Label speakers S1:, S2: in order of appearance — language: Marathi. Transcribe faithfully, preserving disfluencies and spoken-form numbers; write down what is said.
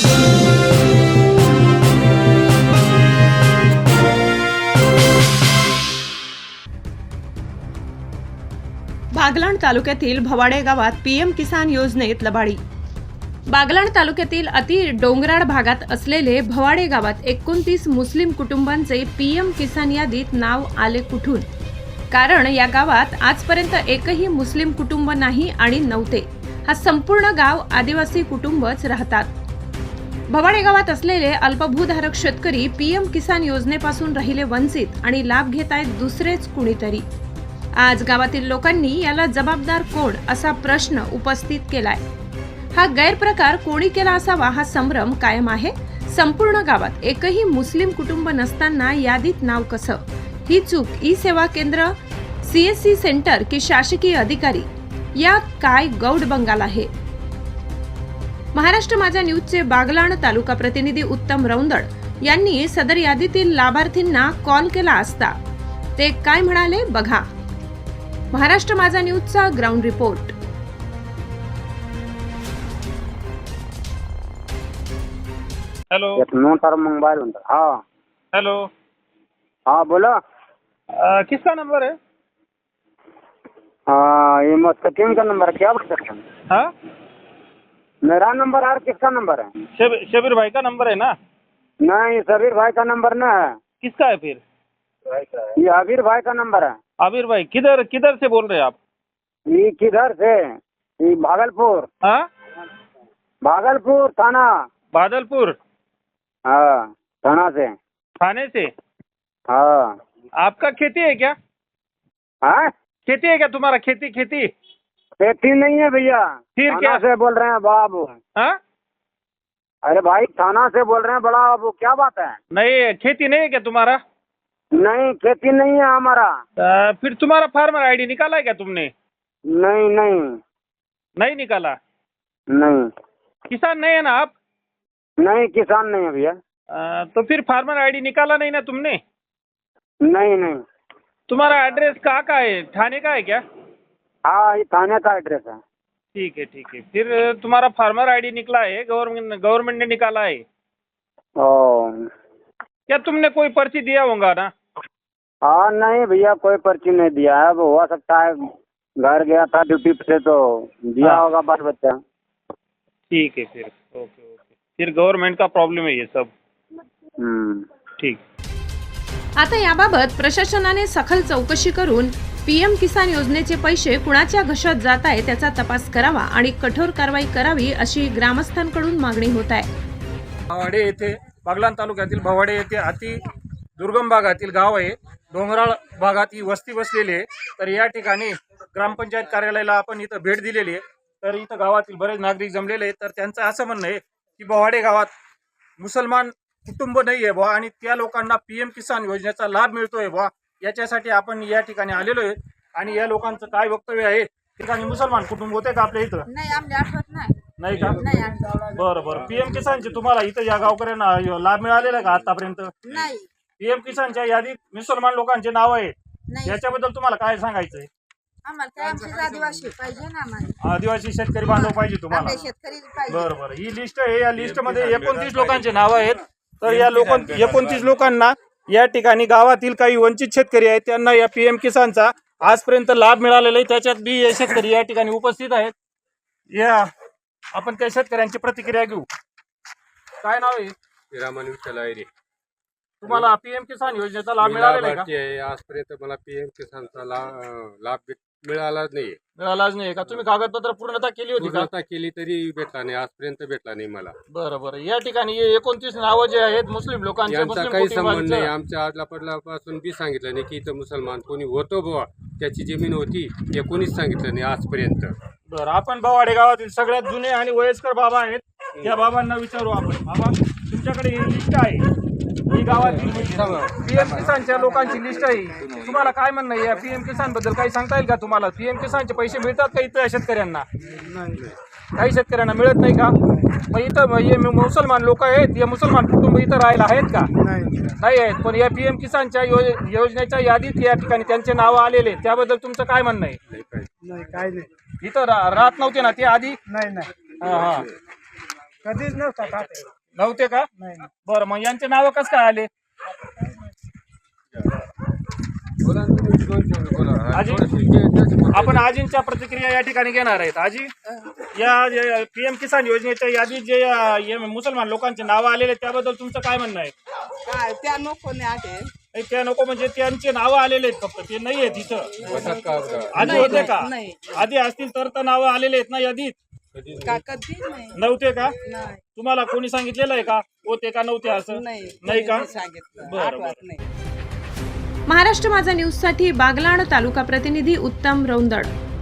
S1: बागलाण तालुक्यातील भवाडे गावात पीएम किसान योजनेत लबाडी। बागलाण तालुक्यातील अति डोंगराळ भागात असलेले भवाडे गावात एकोणतीस मुस्लिम कुटुंबांचे पीएम किसान यादीत नाव आले कुठून? कारण या गावात आजपर्यंत एकही मुस्लिम कुटुंब नाही आणि नव्हते। हा संपूर्ण गाव आदिवासी कुटुंबच राहतात। भवाडे गावात असलेले अल्पभूधारक शेतकरी पीएम किसान योजनेपासून राहिले वंचित आणि लाभ घेत आहेत दुसरेच कुणीतरी। आज गावातील लोकांनी याला जबाबदार कोण असा प्रश्न उपस्थित केलाय। हा गैरप्रकार कोणी केला असावा हा संभ्रम कायम आहे। संपूर्ण गावात एकही मुस्लिम कुटुंब नसताना यादीत नाव कसं? ही चूक ई सेवा केंद्र, सीएससी सेंटर की शासकीय अधिकारी या काय गौड बंगाल आहे? महाराष्ट्र माझा न्यूजचे बागलाण तालुका प्रतिनिधी उत्तम रौंदड यांनी सदर यादीतील लाभार्थींना कॉल केला असता ते काय म्हणाले बघा। महाराष्ट्र माझा न्यूजचा ground report.
S2: Hello
S3: no sir mobile हाँ
S2: हेलो
S3: हाँ बोलो।
S2: आ, किसका नंबर है?
S3: हाँ ये मुस्तकीम का नंबर है, क्या बोल सकते हैं?
S2: हाँ
S3: मेरा नंबर है, किसका नंबर है?
S2: शब, शबीर भाई का नंबर है ना?
S3: नहीं शबीर भाई का नंबर ना है।
S2: किसका है फिर?
S3: ये आबिर भाई का नंबर है।
S2: आबिर भाई किधर किधर से बोल रहे हैं आप?
S3: ये किधर से? ये भागलपुर।
S2: हाँ
S3: भागलपुर थाना।
S2: बादलपुर
S3: हाँ थाना से।
S2: थाने से?
S3: हाँ।
S2: आपका खेती है क्या?
S3: हाँ
S2: खेती है क्या तुम्हारा? खेती खेती
S3: खेती नहीं है भैया।
S2: फिर
S3: थाना
S2: क्या
S3: से बोल रहे हैं बाबू।
S2: हाँ
S3: अरे भाई थाना से बोल रहे हैं बड़ा बाबू, क्या बात है?
S2: नहीं खेती नहीं है क्या तुम्हारा?
S3: नहीं खेती नहीं है हमारा।
S2: आ, फिर तुम्हारा फार्मर आईडी निकाला है क्या तुमने?
S3: नहीं नहीं
S2: नहीं निकाला?
S3: नहीं
S2: किसान नहीं है ना आप?
S3: नहीं किसान नहीं है भैया।
S2: आ, तो फिर फार्मर आईडी निकाला नहीं ना तुमने?
S3: नहीं नहीं।
S2: तुम्हारा एड्रेस कहाँ का है? थाने का है क्या?
S3: हाँ ये थाने का एड्रेस है।
S2: ठीक है ठीक है। फिर तुम्हारा फार्मर आईडी निकला है, गवर्नमेंट गवर्नमेंट ने निकाला है
S3: ओ।
S2: क्या? तुमने कोई पर्ची दिया होगा ना?
S3: हाँ नहीं भैया कोई पर्ची नहीं दिया है, वो हो सकता है घर गया था ड्यूटी पे तो दिया
S2: हाँ।
S3: होगा बाल बच्चा।
S2: ठीक है फिर ओके ओके। फिर गवर्नमेंट का प्रॉब्लेम है ये सब।
S3: हम्म
S2: ठीक।
S1: आता याबाबत प्रशासनाने सखोल चौकशी करून पीएम किसान योजनेचे पैसे कुणाच्या घशात जात आहे त्याचा तपास करावा आणि कठोर कारवाई करावी अशी ग्रामस्थांकडून मागणी होत आहे।
S4: भवाडे येथे बागलाण तालुक्यातील भवाडे येथे अति दुर्गम भागातील गाव आहे। डोंगराळ भागात ही वस्ती बसलेली आहे। तर या ठिकाणी ग्रामपंचायत कार्यालयाला आपण इथं भेट दिलेली आहे। तर इथं गावातील बरेच नागरिक जमलेले आहेत। तर त्यांचं असं म्हणणं आहे की भवाडे गावात मुसलमान कुटुंब नाही आहे बुवा आणि त्या लोकांना पीएम किसान योजनेचा लाभ मिळतोय बुवा, याच्यासाठी आपण या ठिकाणी आलेलो आहे। आणि या लोकांचं काय वक्तव्य आहे? ठिकाणी मुसलमान कुटुंब होते का आपल्या इथं?
S5: नाही आम्हाला आठवत नाही।
S4: नाही का?
S5: नाही आठवत।
S4: बरं बरं। पीएम किसानचे तुम्हाला इथं या गावकऱ्यांना लाभ मिळालेला का आतापर्यंत?
S5: नाही
S4: पीएम किसानच्या यादीत मुसलमान लोकांचे नाव आहेत,
S5: नाही
S4: याच्याबद्दल तुम्हाला काय सांगायचंय?
S5: आम्हाला काय आमचे आदिवासी पाहिजे ना, आम्हाला
S4: आदिवासी शेतकरी बांधव पाहिजे तुम्हाला?
S5: आपले शेतकरी पाहिजे।
S4: बरं बरं। ही लिस्ट आहे, या लिस्ट मध्ये एकोणतीस लोकांचे नाव आहेत। तर या लोक एकोणतीस लोकांना या ठिकाणी गावातील काही वंचित शेतकरी आहेत त्यांना या पीएम किसानचा आजपर्यंत लाभ मिळालेला आहे। त्याच्यात बी हे शेतकरी या ठिकाणी उपस्थित आहेत। या आपण त्या शेतकऱ्यांची प्रतिक्रिया घेऊ। काय नाव आहे?
S6: रामानी विठ्ठल आहे रे।
S4: तुम्हाला पीएम किसान योजनेचा लाभ मिळालेला आहे का?
S6: आजपर्यंत मला पीएम किसानचा लाभ लाभ मिळालाच नाही।
S4: मिळालाच नाही का? तुम्ही कागदपत्र पूर्णता केली होती का?
S6: पूर्णता केली तरी भेटला नाही, आजपर्यंत भेटला नाही मला।
S4: बरं बरं। या ठिकाणी एकोणतीस नावं जे आहेत मुस्लिम लोकांचे,
S6: यांचा
S4: मुस्लिम
S6: काही संबंध नाही।
S4: कुटुंबांचं,
S6: आमच्या आदला पडल्यापासून बी सांगितलं नाही की इथं मुसलमान कोणी होतो बुवा, त्याची जमीन होती हे कोणीच सांगितलं नाही आजपर्यंत।
S4: बरं। आपण भवाडे गावातील सगळ्यात जुने आणि वयस्कर बाबा आहेत, या बाबांना विचारू आपण। बाबा तुमच्याकडे ही लिस्ट आहे, ही गावातील पीएम किसानच्या लोकांची लिस्ट आहे, तुम्हाला काय म्हणणं आहे? या पीएम किसान बद्दल काही सांगता येईल का तुम्हाला? पीएम किसानचे पैसे मिळतात का इथं शेतकऱ्यांना? काही शेतकऱ्यांना मिळत नाही का? मग इथं हे मुसलमान लोक आहेत, हे मुसलमान कुटुंब इथं राहायला आहेत का? नाही आहेत। पण या पीएम किसानच्या योजनेच्या यादीत या ठिकाणी त्यांचे नाव आलेले, त्याबद्दल तुमचं काय म्हणणं आहे?
S3: नाही काय नाही।
S4: इथं राहत नव्हते ना ते आधी?
S3: नाही नाही।
S4: हा हा। कधीच नव्हता नव्हते का बरं मग यांचे नाव कसं काय आले आजी आपण आजींच्या प्रतिक्रिया या ठिकाणी घेणार आहेत आजी या पीएम किसान योजनेच्या यादीत जे अ, हे मुसलमान लोकांचे नाव आलेले आहेत, त्याबद्दल तुमचं काय म्हणणं आहे
S7: काय त्या नको नाही आले
S4: नाही, त्या नको म्हणजे त्यांचे नाव आलेले आहेत फक्त ते नाही आहेत इथं आधी होते का
S7: नाही.
S4: आधी असतील तर तर नाव आलेले आहेत ना यादीत
S7: का कधी नाही
S4: नव्हते का
S7: नाही
S4: तुम्हाला कोणी सांगितलेलं आहे का होते का नव्हते असं
S7: नाही
S4: नाही का
S7: कोणी सांगितलं
S4: बरं,
S7: आठवत
S4: बरं.
S7: नाही
S1: महाराष्ट्र माझा न्यूजसाठी बागलाण तालुका प्रतिनिधी उत्तम रौंदड.